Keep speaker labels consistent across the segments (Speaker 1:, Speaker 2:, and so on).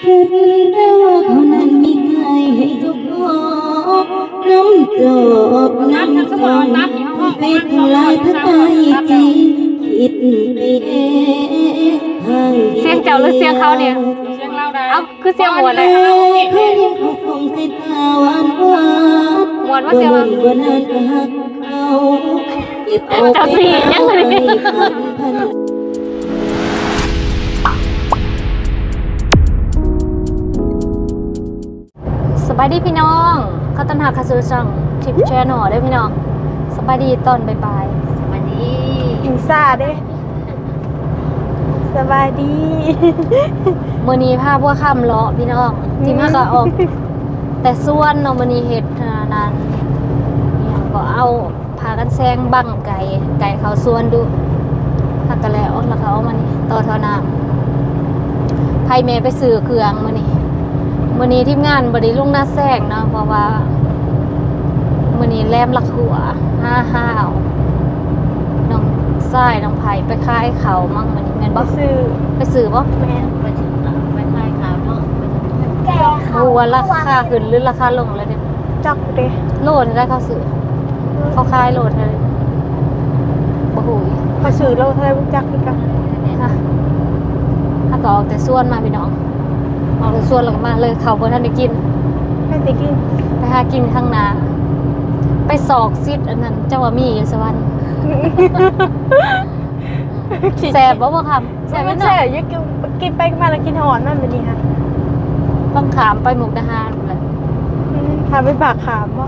Speaker 1: คืนเราเขานั้นมีใครให้ทุกคนน้ำจบน้ำฟังไปทำลายทั้งใจจริงคิดไปเอง
Speaker 2: เสียงเจ้าหรือเสียงเขาเนี่ย
Speaker 3: เสียงเราได้
Speaker 2: เอ้าคือเสียงหมวนเลย
Speaker 1: เขายังเขาส่งสายตาหวานหวาน
Speaker 2: หมวนว่าเสียงว่า
Speaker 1: บนนั้นก็หักเขาเก็บเอาไปพัน
Speaker 2: สบายดีพี่น้องเขาต้นหาคาซูซังทิปแชนอได้พี่น้องสบายดีตอนบ่ายๆสบายดี
Speaker 3: อินซาเด้สบายดี
Speaker 2: มื้อนี้พาพวกค่ำเลาะพี่น้องที่มาก็ออกแต่ส่วนเนาะมื้อนี้เฮ็ดนั้นเนี่ยก็เอาพากันแซงบั้งไก่เขาสวนดูหักกันแล้วแล้วก็เอามานี่ต่อเท่าน้ำไผแม่ไปซื้อเครื่องมื้อนี้ทีมงานบ่ได้ลงหน้าแซงเนาะเพราะว่ามื้อนี้แลมลักหัวห้าวน้องทรายน้องไผไปขายเขามั่งมื้อนี้แม่นบ่
Speaker 3: ซื้อ
Speaker 2: ไปซื้อบ่
Speaker 3: แม่
Speaker 4: ไปถึงไปคลายขาเนาะ
Speaker 3: แก่เขา
Speaker 2: รู้ว่าราคาขึ้นหรือราคาลงแล้วเนี่ย
Speaker 3: จักเด้
Speaker 2: โลดได้เขาซื้อเขาขายโลดเลยบ่ฮู้อีก
Speaker 3: เขาซื้อเราเท่าไหร่บ่จักคือกัน
Speaker 2: ฮะถ้าก็ออกแต่ส่วนมาพี่น้องออกแต่ส่วนแล้วก็มาเลยเขาบ่ทันได้กิน
Speaker 3: ให้ติกิน
Speaker 2: ไปหากินข้างหน้าไปสอกซิดอันนั้นเจ้าว่ามีอยู่สวรรค์แซ่บบ่คำแซ่บ
Speaker 3: มั
Speaker 2: แม่
Speaker 3: น
Speaker 2: น
Speaker 3: แซ่
Speaker 2: เนาะ
Speaker 3: บอยู่กินไปมาแล้วกินหอนมันแบบนี้ฮะ
Speaker 2: ต้องขามไปมุกดาหารแหละ
Speaker 3: พาไปปากขามบ่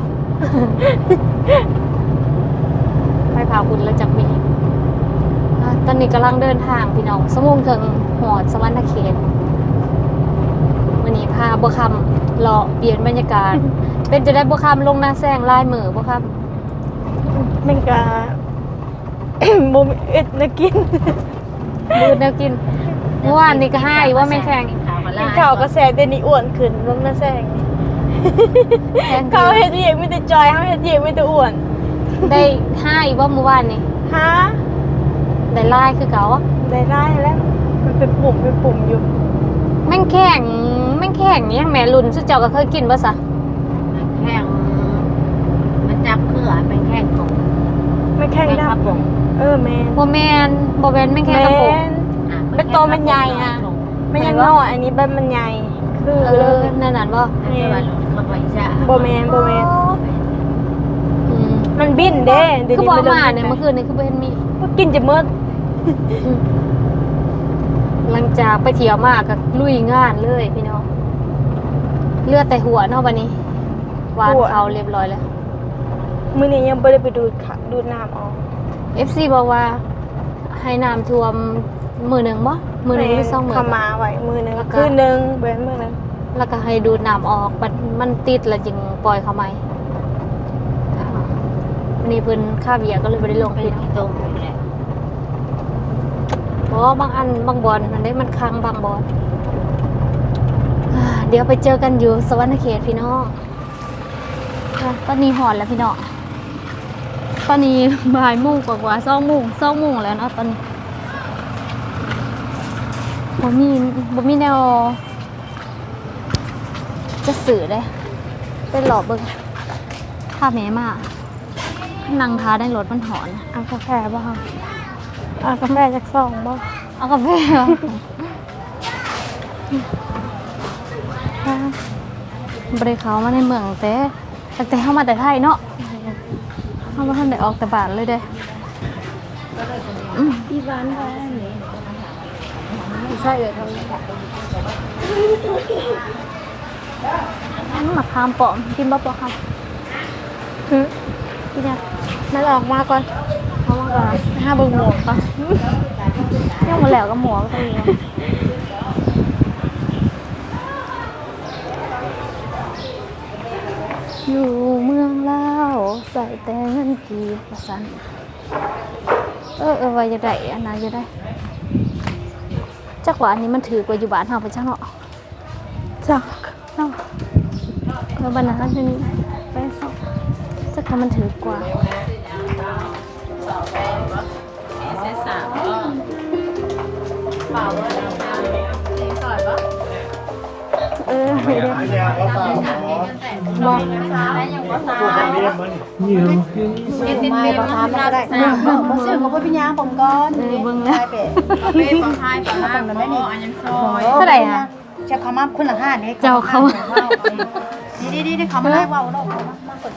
Speaker 2: ไปพาคุณแล้วจักมีตอนนี้กำลังเดินทางพี่น้องสมุงถึงหอดสวรรณเขตวันนี้พาบัวคำเลาะเปลี่ยนบรรยากาศ เป็นจะได้บัวคำลงหน้าแซงลายมือบัวค
Speaker 3: มันก็ บ่มีเอ็ดนะกิน
Speaker 2: ำมือแนวกินเมื่อวานนี่ก็ให้ว่าไม่แข็ง
Speaker 4: ขามา
Speaker 3: กิ
Speaker 4: ล่าน
Speaker 3: ข้าวก็แซ่เดี๋ยวนี้อ้วนขึ้นลงหน้าแซง
Speaker 2: แทน
Speaker 3: เขาเฮ็ดเวียกมีแต่จอยเฮาเฮ็ดเวียกมีแต่อ้วน
Speaker 2: ได้ให้ว่าเมื่อวานนี่
Speaker 3: ฮะ
Speaker 2: ได้ลายคือเก่า
Speaker 3: ได้แล้วมันเป็นปุ่มอยู่
Speaker 2: แม่งแข็งเนี่ยแม่รุ่นสุดเจ้าก็เคยกินป่ะสะ
Speaker 4: แข้งมันจับเขื่อเป็นแข้งของ
Speaker 3: ไม่แข็ง
Speaker 4: แข้ง
Speaker 3: ด
Speaker 4: กระป๋อง
Speaker 3: ำแมน
Speaker 2: โบแมนแม่งแข็งกระปุก
Speaker 3: เป็นตัวมันใหญ่อะ ไม่ยังน้อยอันนี้เป็นมันใหญ่คือ
Speaker 2: นั่นบ่
Speaker 4: อันนี้ว่าหลุดเข้าไปจ้ะ
Speaker 3: โบแมน
Speaker 2: อืม
Speaker 3: มันบินเด้เดี๋ยว
Speaker 2: คือ
Speaker 3: นี้
Speaker 2: บอก
Speaker 3: มัน
Speaker 2: มาเนี่ยเมื่อคืนนี่คือบ่เห็นมี
Speaker 3: ก็กินจะมืด
Speaker 2: หลังจากไปเที่ยวมาก็ลุยงานเลยพี่น้องเลือดแต่หัวเนาะวันนี้วานเขาเรียบร้อยแล้ว
Speaker 3: มื้อนี้ยังไม่ได้ไปดูดน้ำออก
Speaker 2: FC บอกว่าให้น้ำท่วมมือหนึ่งบ่มือหนึ่งหรือสองมือ
Speaker 3: ขมาไว้มือหนึง
Speaker 2: แล้วก็
Speaker 3: คืนหนึงเว้นมือหนึง
Speaker 2: แล้วก็ให้ดูดน้ำออกมันติดแล้วจึงปล่อยเขาไหมวันนี้เพิ่นค่าเบียร์ก็เลยไม่ได้ลง
Speaker 4: เป็น
Speaker 2: พี่น้อง
Speaker 4: ที่ตรงนี่แหละ
Speaker 2: เพราะบางอันบางบอลมันได้มันค้างบางบอลเดี๋ยวไปเจอกันอยู่สวรรณเขตพี่น้องตอนนี้หอนแล้วพี่น้องตอนนี้บ่ายโมงกว่าๆ2 โมงแล้วเนาะตอนนี้บ่มีแนวจะสื่อเลยเป็นหลอบเบิ่งถ้าแม่มานั่งท้าได้รถมันหอน
Speaker 3: เอากาแฟบ่คะเอากาแฟจากซองบ่
Speaker 2: เอากาแฟบริเขามาในเมืองแต่เข้ามาแต่ไทยเนาะเข้ามาท่านได้ออกแต่บ้านเลยเด้
Speaker 3: ที่บ้านได้นี่ใช่เลยทำ
Speaker 2: มะขามปอมกินบ่ปอครับกินเนี่ย
Speaker 3: มันออกมาก่อน
Speaker 2: เอามาก่อน
Speaker 3: ห้าเบิ่งหมวกก่อน
Speaker 2: ยังมาแล้วก็หมวกก็มีอยู่เมืองลาวใส่แต่เงินกีบประสันว่าจะได้อันนั้นจะได้จักว่าอันนี้มันถือกว่าอยู่บ้านเฮาไปจังเนาะ
Speaker 3: จัก
Speaker 2: เนาะแล้วบ้านนั้นจะไปสอบจักว่ามันถือกว่า
Speaker 4: เส้นสามก็เปล่าว่าเราทำเส้นก่อนปะ
Speaker 3: ไม่บ่ทำก็ได้บ่ซื้อก็บ่เป็นหยังผมก่อนเบิ่งนะเป็ดบ่ทายบ่ทำแล้วนี่อันยังซอย
Speaker 2: เท่าไหร่อ่ะ
Speaker 3: จะเข้ามาคนละ5นี่
Speaker 2: เจ้าเขา
Speaker 3: ดีๆๆเข้ามาได้เว้าเนาะมาก่อน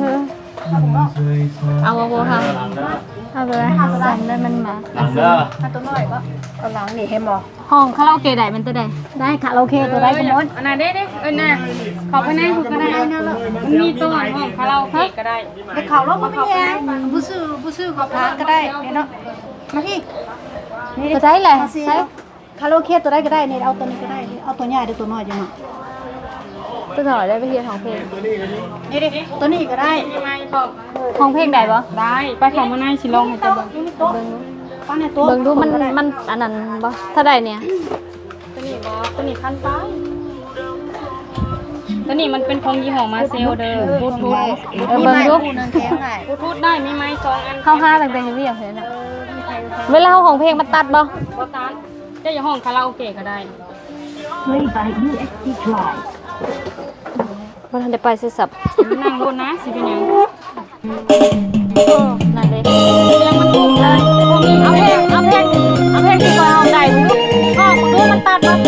Speaker 2: เอาโบค่ะเอาเลยสั่งได้มันมา
Speaker 3: ถ้าตัวน้อยก็เอาหลังนี่เห็นบ่
Speaker 2: ห้องคาราโอเกะได้มันตัวใด
Speaker 3: ได้ค่ะโอเคตัวได้ก็หมด
Speaker 5: อันนั้นได้น่ะขอไปนั่งคุณก็ได้มันมีตัวห้องคาราโอเกะก็ได้
Speaker 3: ไปเข้ารถบ่เป็นหยังบ่ซื้อก็พาก็ได้เนาะมาพี่
Speaker 2: ตัวใดเลย
Speaker 3: ใช่
Speaker 2: ใช่
Speaker 3: คาราโอเกะตัวได้ก็ได้นี่เอาตัวนี้ก็ได้เอาตัวใหญ่หรือตัวน้อยจังหวะ
Speaker 2: ตัวหน่อยได้ไปเฮียของเพลง
Speaker 3: นี่ดิตัวนี้ก็ได้
Speaker 5: มีไหมบอก
Speaker 2: ของเพลงได้ปะ
Speaker 5: ได้ไปขอมานั่งชิลองให้เจ้าเบิ่ง
Speaker 2: เบิ่งดู
Speaker 3: ป้าในตัว
Speaker 2: เบิ่งดูมันอันนั้นปะถ้าได้เนี่ย
Speaker 5: ตัวนี้บอตัวนี้คันป้ายตัวนี้มันเป็นของยี่ห้อมาเซลเด้อบลูทูธ
Speaker 2: เบิ่งดู
Speaker 3: นึงแข็งได้
Speaker 5: บลูทูธได้มีไหม2 อัน
Speaker 2: เข้าห้าต่างๆอย่างนี้อย่างเงี้ยเวลาของเพลงมันตัดปะ
Speaker 5: โบตันจะอยู่ห้องคาราโอเกะก็ได้
Speaker 2: มันทันได้ไปสิสับ
Speaker 5: นั่งบนนะสิเป็นยัง
Speaker 2: นั่นเลย
Speaker 5: เสียงมันถูกได้พวกนี้
Speaker 2: เอาเพลงที่ก่อนเอาได้มึงดูห้องมึงดูมันตัดปะ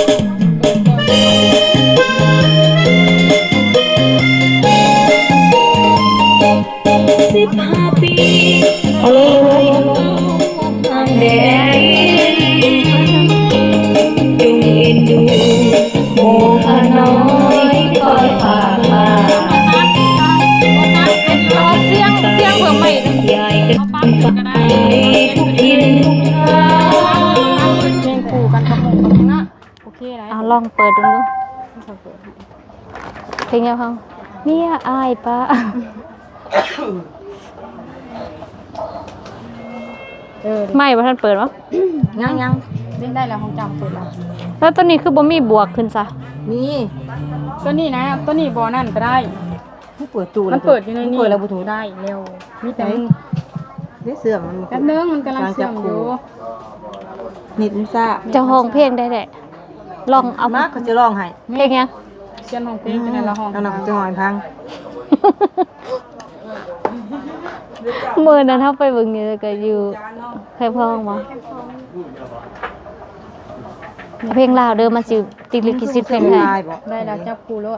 Speaker 1: 15 ปีเอาเลยทางแดงจงเอ็นดูโมหะน้อยคอยผ่านมา
Speaker 2: เอาเสียงเพิ่มใหม่
Speaker 1: ยายกันไปทุกทิศทุกทาง
Speaker 5: เพลงคู่กันกับหมู่กับเพลงน่ะโอเคไร
Speaker 2: เอาลองเปิดดูเพลงยังพังเมียอายปะ ไม่ว่าท่านเปิดวะ
Speaker 5: ยังเล่นได้แล้วของจำเปิดแล้ว
Speaker 2: แล้วตัวนี้คือบ่มีบวกขึ้นซะ
Speaker 5: ตัวนี้นะตัวนี้บอนั่นก็ได้
Speaker 3: ผู้เปิดตู
Speaker 5: มันเปิดอยู่ในนี้เปิดแล้วบลูทูธได้เร็วมีแต่มึง
Speaker 3: ได้เสื่อมมัน
Speaker 5: แป๊บนึงมันกำลังเชื่อมอยู่
Speaker 3: นิดนึงซ่า
Speaker 2: จะห้องเพลงได้แหละลองเอา
Speaker 3: มากก็จะร้องให้
Speaker 2: เพลงยัง
Speaker 5: เชื่อมของเพลงจะในละห้อง
Speaker 3: เอาหนังจะหอยพัง
Speaker 2: มือนั้นเฮาไปเบิ่งอยู่ก็อยู่ใครพ้องบ่เพลงลาวเด้อมันสิติดลิขสิทธิ์เพลงไทย
Speaker 5: ได้แล้วจับคู่รถ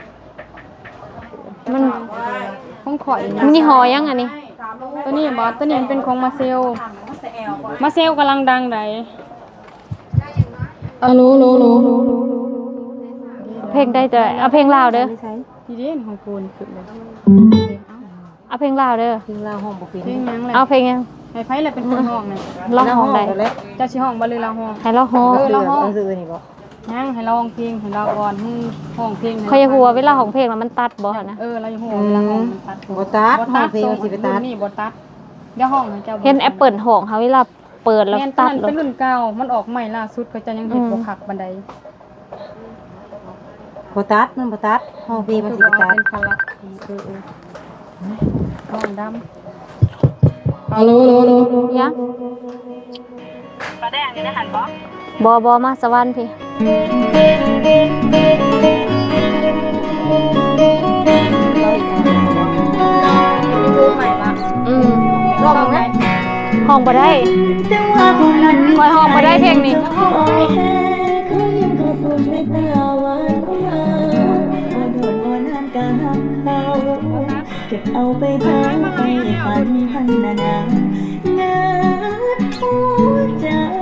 Speaker 2: มัน
Speaker 5: ของข่อย
Speaker 2: มันยี่ห้อยังอันนี้
Speaker 5: ตัวนี้บอสตัวนี้มันเป็นของมาเซลกำลังดังได
Speaker 1: โล
Speaker 2: เพลงได้จะเอาเพลงลาวเด้อ
Speaker 5: ดีเด่นของกูนขึ้นเลย
Speaker 2: เอาเพลงลาวเด้อ
Speaker 3: ทิ้งลาห้องบ่เป็น
Speaker 5: เพลงยังเลย
Speaker 2: เอาเพลงยัง
Speaker 5: ให้ไพ่เลยเป็นคนห้องเลย
Speaker 2: ร้องห้องใด
Speaker 5: เจ้าชิห้องบริลาห้อง
Speaker 2: ให้เราฮ้อง
Speaker 5: เราห้อง
Speaker 3: ซื้อนี่บ่
Speaker 5: ยังให้เราห้องเพลงให้เราก่อนห้องเพลง
Speaker 2: เขาจะหัวเวลาของเพลงแล้วมันตัดบ่หั่นนะ
Speaker 5: เราอยู่ห้องเวลาห้องมันตัด
Speaker 3: บ่ตัดห้องเพลงสิไปตัด
Speaker 5: นี่บ่ตัดเดี๋ยวห้องให้เจ้า
Speaker 2: เห็นแอปเปิลห้องเขาเวลาเปิดแล้ว
Speaker 5: แม่นตอ
Speaker 2: ตั
Speaker 5: น
Speaker 2: ด
Speaker 5: นั้น
Speaker 2: แล้
Speaker 5: เป็
Speaker 2: วน
Speaker 5: รุ่นเก่ามันออกใหม่ล่าสุดก็จะยังเห็นบ่คักบันได
Speaker 3: บ่ตัดมันบ่ตัดห้องเพลงมันสิไปตัด
Speaker 5: เป็นคันละห้องดำ
Speaker 1: โล
Speaker 2: ยังปลาแดงนี่นะหันบ่บ่มาสวรรค์พี่
Speaker 5: รอบไหน
Speaker 2: ห้องบ่ได้
Speaker 1: แต่ว่าคนนั้น
Speaker 2: คอยห้องบ่ได้เพลงนี้
Speaker 1: คอยแค่เขายังเข้าสู่สายตาหวานหวานพอโดนบ่นานก็หักเขาเก็บเอาไปทางไปฝันพันนานางัดหัวใจ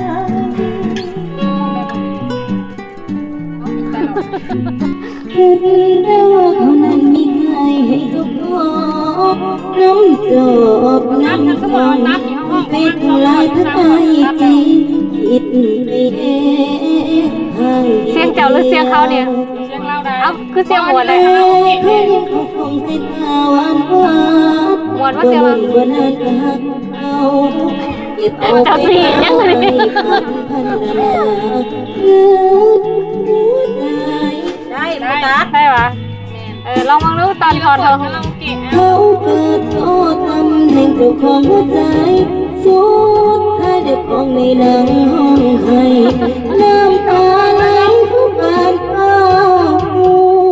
Speaker 1: เห็นแล้วว่าเขานั้นมีใครให้ทุกคนน้ำจบน้ำฟังไปทำลายทั้งใจจริงคิดไปเองห่าง
Speaker 2: เสียงเจ้าหรือเสียงเขาเนี่ย
Speaker 5: เสียงเราได้
Speaker 2: เอ้าคือเสียงหมวดเลย
Speaker 1: เขายังเขาคงใส่ตาหวานหวาน
Speaker 2: หมวดว่าเสียงอะไร
Speaker 1: บนนั้นก็หักเขาเก็บเอาไป
Speaker 2: เจ้าสิยังไง
Speaker 1: พันพันนาคือหัวใจ
Speaker 5: ได้ตัด
Speaker 2: ใช่ปะลองมองดูตอนถอดเธอ
Speaker 1: เขาเปิดโทษตำแหน่งเจ้าของหัวใจสุดท้ายเด็กของในหนังห้องให้น้ำตาไหลทุกบานฟ้าหั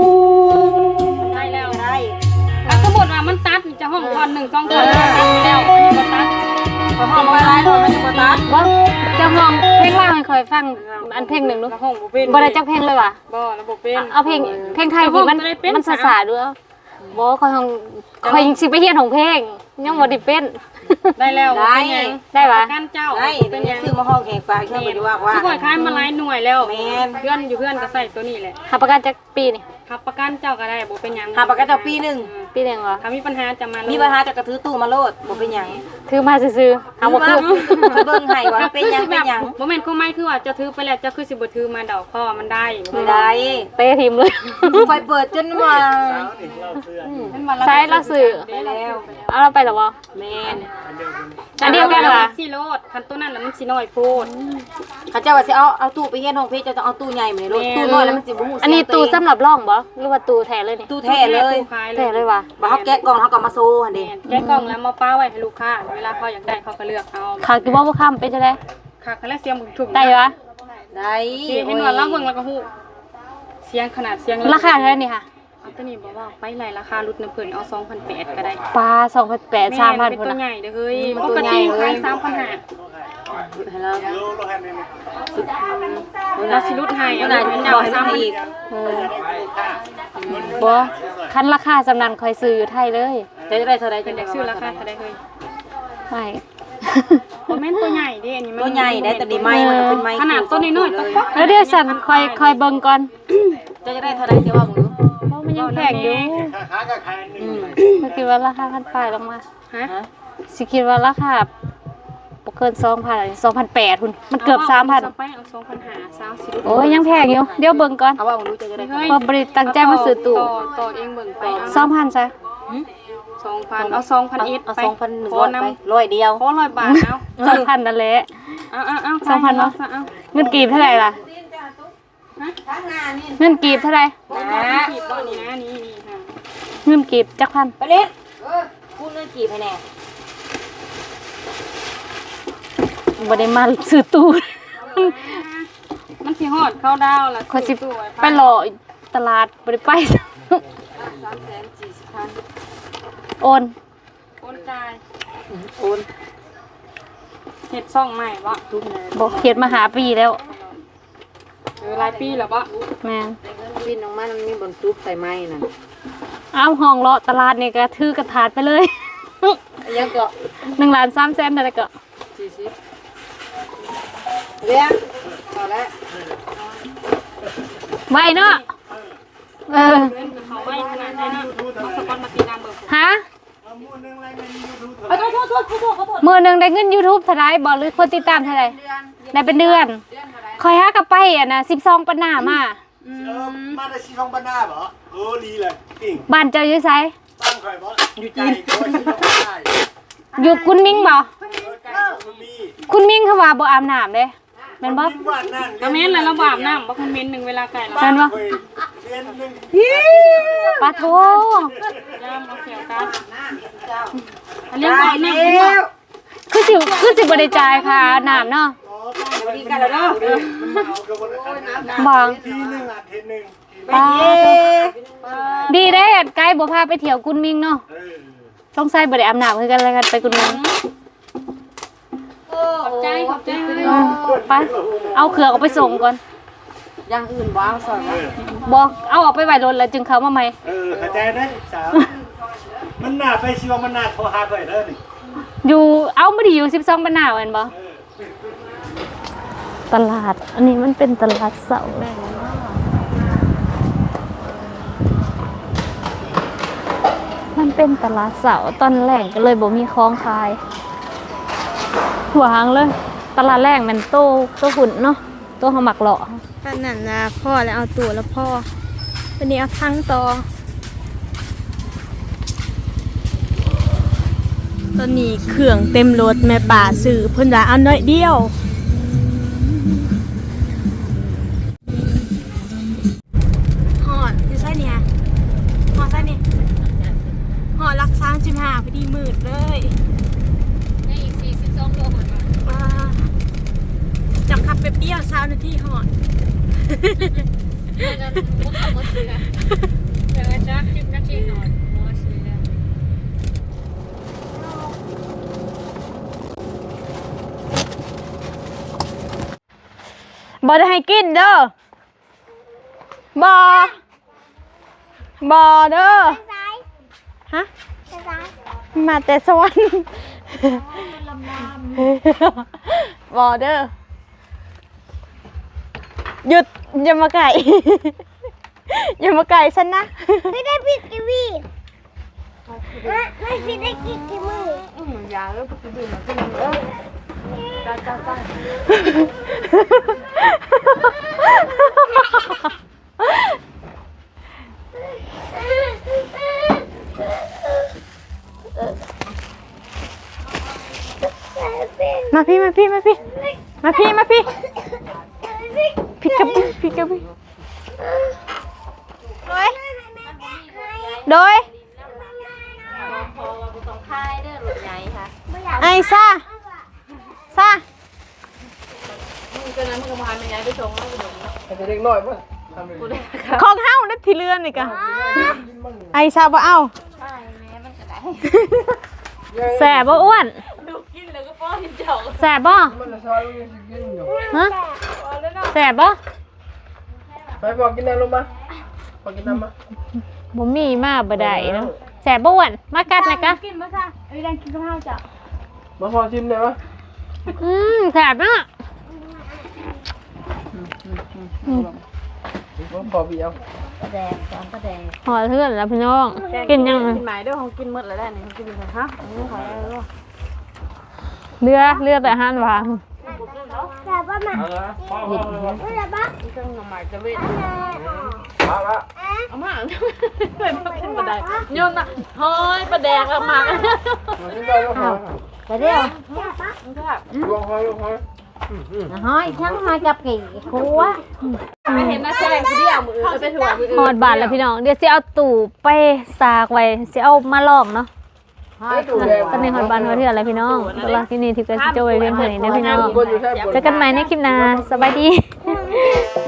Speaker 2: ห้องเพลงล่างให้คอยฟังอันเพลงหนึ่งดู
Speaker 5: ห้องบ่เป็น
Speaker 2: บ่ได้จักเพลงเลยว่ะ
Speaker 5: บ่ระบบเป็น
Speaker 2: เอาเพลงไทยที่มันสาๆด้วยบ่คอยห้องคอยสิไปเฮียนของเพลงยังบ่ได้เป็น
Speaker 5: ได้แล้วบ่เป็นหยัง
Speaker 2: ได้ปะ
Speaker 5: กันเจ้า
Speaker 3: ได้
Speaker 5: เป็
Speaker 3: เป็น น
Speaker 5: หยัง
Speaker 3: ซื้อมาห้องแขกปลาแค่บ่ได้ว่า
Speaker 5: ที่ข่อยขายมาหลายหน่วยแล้ว
Speaker 3: แม่น
Speaker 5: เพื่อนอยู่เพื่อนก็ใส่ตัวนี้แหละ
Speaker 2: หาประกันจักปีนี่
Speaker 5: ขับประกันเจ้าก็ได้บ่เป็นหยัง
Speaker 3: หาปากกาเจ้าปีนึง
Speaker 2: ปีหนึงเหรอ
Speaker 5: ถ้ามีปัญหาจะมาเลย
Speaker 3: มีปัญหาจะกระถือตู้มาโลดบ่เป็นหยัง
Speaker 2: ถือมาซื่อๆหาบ่คือ
Speaker 3: เบิ่งให้ว่าเป็นหยังเป็นหยัง
Speaker 5: บ่แม่นความหมายคือว่าจะถือไปแล้วจะคือสิบ่ถือมาดอกพ่อมันได้
Speaker 3: ไม่ได้
Speaker 2: เตะทีมเลย
Speaker 3: ไฟเปิดจนว่า
Speaker 5: เป็นวันละ
Speaker 2: ใช้ละสื่อ
Speaker 3: ไปแล้ว
Speaker 2: เอาเราไปหรอวะ
Speaker 3: แม่น
Speaker 2: อันเดียวกันเหรอ
Speaker 5: สิโลดคันตัวนั้นแล้วมันสิน้อยโพด
Speaker 3: เขาเจ้าว่าสิเอาตู้ไปเฮียนห้องเพชรจะต้องเอาตู้ใหญ่มาเลยโลดตู้น้อยแล้วมันสิบ่ฮู้
Speaker 2: อันนี้ตู้สำหรับร่องบ่หรือว่าตู้แท้เลยนี่
Speaker 3: ตู้แท้เลย
Speaker 5: ตู้ขายเล
Speaker 2: แท้
Speaker 5: ย
Speaker 2: เลยว่ะ
Speaker 3: บ่เฮาแกะกล่องเฮาก็มาโซ่หั่นเด้
Speaker 5: แกะกล่องแล้วมาป้าไว้ให้ลูกค้าเวลาเขาอยากได้เขาก็เลือกเอา
Speaker 2: ขากี่บ่ค่ำเป็นจังได๋
Speaker 5: ค่ะคันแรกเสียงมึงถูก
Speaker 2: ได้วะ
Speaker 3: ได้
Speaker 5: เห็นว่าเราเบิ่งแล้วก็ฮู้เสียงขนาดเสียง
Speaker 2: ราคาเท่าไหร่นี่ค่ะ
Speaker 5: เอาตัวนี้บอกว่าไปไหลราคาลดน้ำเพิ่นเอา2,800ก็ได้
Speaker 2: ปลา2,800 3,000
Speaker 5: เป็น
Speaker 2: พุ่น
Speaker 5: ตัว
Speaker 2: น่ะ
Speaker 5: ใหญ่เด้อเฮ้ยปกติขาย3,500
Speaker 3: ให้เรา
Speaker 5: เราสิลดให้
Speaker 3: เอา
Speaker 5: เอา
Speaker 3: หน่
Speaker 5: ได้
Speaker 3: อย
Speaker 5: เจ้า
Speaker 3: บอกให้มัน
Speaker 5: 3,000
Speaker 3: อีก
Speaker 2: บ่คันราคาสำนั้นค่อยซื้ออยู่ไทยเลย
Speaker 3: จะได้เท่าใด
Speaker 5: เป็นเด็กซื้อราคาเท่าใดเฮ้ย
Speaker 2: ไม่
Speaker 5: บ่แม่นตัวใหญ่เด้อันนี้มัน
Speaker 3: ตัวใหญ่ได้แต่ดีไม้มันก็เป็นไม้
Speaker 5: ขนาดตัวน้อยๆ
Speaker 3: เล
Speaker 5: ตั
Speaker 3: ย
Speaker 5: ก
Speaker 2: แล้วเดี๋ยวฉันค่อยเบิ่งก่อน
Speaker 3: จะได้เท่าใดเดี๋ยวว่ามึงดู
Speaker 2: เพราะมันยังแพงอยู่
Speaker 6: ค้าก็ขายหนึ่ง
Speaker 2: ก็คิดว่าราคาพันปลายลงมา
Speaker 5: ฮะ
Speaker 2: สิคิดว่าราคาบ่เกิน 2,000 2,800พุ่นมันเกือบ 3,000
Speaker 5: ไปเอา2,500ซาวสิ
Speaker 2: โอ้ยยังแพงอยู่เดี๋ยวเบิ่งก่อน
Speaker 3: เอาว่ามึงดูจะได้
Speaker 5: เฮ้ย
Speaker 2: เพราะบริตั้งใจมาซื้อตู้
Speaker 5: ต่อเองเบิ่งไปเอา
Speaker 2: 2,000ซะ
Speaker 5: 2,000เอา2,000อีก
Speaker 3: เอา
Speaker 5: ไป
Speaker 3: 2,100
Speaker 5: ขอ
Speaker 3: ไป
Speaker 5: นำ
Speaker 3: 100เดียว
Speaker 5: ขอ100 บาทเอา
Speaker 2: 2,000นั่นแหละ
Speaker 5: เอา
Speaker 2: 2,000เนาะ
Speaker 5: เอา
Speaker 2: เงินกีบเท่าไหร่ล่ะเงินกีบเท่าไหร่
Speaker 5: ขีดบ่นี่นะนี่ค่ะ
Speaker 2: เงินกีบจักพัน
Speaker 3: ไปเล่นพูดเรื่องกี่ให้แน่
Speaker 2: บ่ได้มาซื้อตู้
Speaker 5: มันสิฮอดเข้าดาวล่ะ
Speaker 2: ขอยสิ
Speaker 5: ตู้ว้
Speaker 2: ไปรอตลาดบ่ได้ไป
Speaker 5: 340,000
Speaker 2: โอน
Speaker 5: โอนจ่าย
Speaker 3: โอน
Speaker 5: เฮ็ดซ่องใหม่บ่
Speaker 3: ทุกนะ
Speaker 2: บ่เฮ็ดมาหาปีแล้ว
Speaker 5: หลายปีแล้วบ่
Speaker 2: แม่น
Speaker 3: วินออกมามันมีบนซุปใส่ไม้นั่น
Speaker 2: เอาห้องเลาะตลาดนี่ก็ถือกระถาดไปเลย
Speaker 3: ยังก็
Speaker 2: 1,300,000นั่นแหละก็
Speaker 3: เลี้ยงเอาละ
Speaker 2: ไว้เนาะเออ
Speaker 5: เขาไว้ขนาดนั้นนะเอาสกอตมาตีน้ำเบิ่ง
Speaker 2: ฮะ
Speaker 3: ขอโทษขอโทษ
Speaker 2: มือหนึ่งได้เงิน YouTube เท่าไหรบอกหรือคนติดตามเท่าไหรได้เป็นเดือนคอยหากลับไปอ่ะนะ12ปันหน้ามา
Speaker 6: มาได้ชีทองบ้านหน้าเหรอเออดีเลยจริง
Speaker 2: บ้านเจ้าอยู่ไส
Speaker 6: ตั้งใครบ่อยู่ใจก็ชีทองบ้านได้
Speaker 2: อยู่คุณมิ่งบ่
Speaker 6: ใกล้กับคุณมี
Speaker 2: คุณมิ่งเขาว่าบ่อาบน้ำเด้แม่นบ่
Speaker 6: บ้านนั่น
Speaker 5: ก็แม่นแล้วเราบาปน้ำบ่คอมเมนต์หนึ่งเวลาไก่เรา
Speaker 2: แม่นบ่
Speaker 6: เรียนหนึ่ง
Speaker 2: ปาโท
Speaker 5: ย่ามเอาเขียวกันอันเรียกบาปน้ำเป็นบ่
Speaker 2: คือสิบ่ได้จ่ายค่าน้ำเนาะ
Speaker 3: ดีกันแล้วเนาะ
Speaker 6: มันเอากระบวนการ
Speaker 2: บ่
Speaker 6: ทีหนึ่งอ่ะเทนหนึ่ง
Speaker 2: ปาดีเด้ไกด์บ่พาไปเที่ยวคุณมิ่งเนาะต้องใส่บ่ได้อาบน้ำคือกันแล้วกันไปคุณมิ่ง
Speaker 5: ขอบใจเลย
Speaker 2: ไปเอาเครื่องออกไปส่งก่อน
Speaker 3: อย่างอื่นว้าวสอน
Speaker 2: บ่เอาออกไปไว้รถแล้วจึงเข้ามาใหม่
Speaker 6: เข้าใจได้สาวมันหน้าไปชีวมันหน้าโทรหาก่อยเด้อนี่
Speaker 2: อยู่เอาไม่ได้อยู่12ปันหน้าแม่นบ่ตลาด อันนี้มันเป็นตลาดเสาร์มันเป็นตลาดเสาร์ตอนแรกก็เลยบ่มีของขายหวางเลย ตลาดแรกมันโตหุ่นเนาะโตเฮามักเลาะ
Speaker 1: ตอนนั้นนะพ่อแล้วเอาตัวแล้วพ่อวันนี้เอาทั้งต่อตอนนี้เครื่องเต็มรถแม่ป่าซื้อเพิ่นว่าเอาน้อยเดียวหอดอยู่ไส้เนี่ยหอดไส้นี่หอดรัก35พอดีมืดเลย
Speaker 2: นี่อีก42โลหมด
Speaker 1: จับขับไปเปรี้ยว20นาทีหอด
Speaker 2: แล้วก็บ่ขับรถเลยเดี๋ยวจัก10นาทีนอนบ่ซื้อแล้วบ่ได้ให้กินเด้อบ่เด้อฮะมาแต่สวรรค์บ่เด้อหยุดอย่ามาไก่อย่ามาไก่ฉันนะไม่ได้ปิดกีวีไม่ได้กินกีมือยาแล้วปิดกีวีมันก็ยังมาพี่พี่กับโดยไอ้ซ่าของเฮาได้ที่เรือนนี่กะไอ้ซ่าบ่เอาแสบบ่อ้วนแสบบ่ฮะแสบบ่ไปบอกกินน้ำลงมาบอกกินน้ำมาบ่มีมาบ่ได้เนาะแสบบ่อ้วนมากัดนะกะ
Speaker 5: กินบ่ซ่าได้กินกับข้าวจ้ะ
Speaker 6: มาพอชิมได้ปะ
Speaker 2: แสบเนาะ
Speaker 6: พอพี่เอา
Speaker 4: แดงสองก็แดง
Speaker 2: หอเทื่อนแล้วพี่น้องกินยัง
Speaker 3: กินหมายด้วยของกินหมดแล้วได้นี่กินไปฮะขอแล้ว
Speaker 2: เรือแต่ห้านวาง
Speaker 6: เอาละพ่อเครื่องหมายจะเว้นเอาละ
Speaker 3: เอามาเลยมาขึ้นบันไดโยนน่ะเฮ้ยประแดกออกมา
Speaker 4: แต่เดียว
Speaker 6: ลงคอย
Speaker 4: ห้อยทั้งห้อยกับกี่ครัว
Speaker 3: ไม่เห็นนะแซงคนเดียวมือไปถั่วมือ
Speaker 2: หอดบาทแล้วพี่น้องเดี๋ยวสิเอาตู่ไปสากไว้สิเอามาลอกเนาะตอนนี้หอดบาทหอดเทื่อนแล้วพี่น้องตลอดที่นี่ที่เกิดสิโจยเพียงเท่านี้นะพี่น้องเจอกันใหม่ในคลิปหน้าสบายดี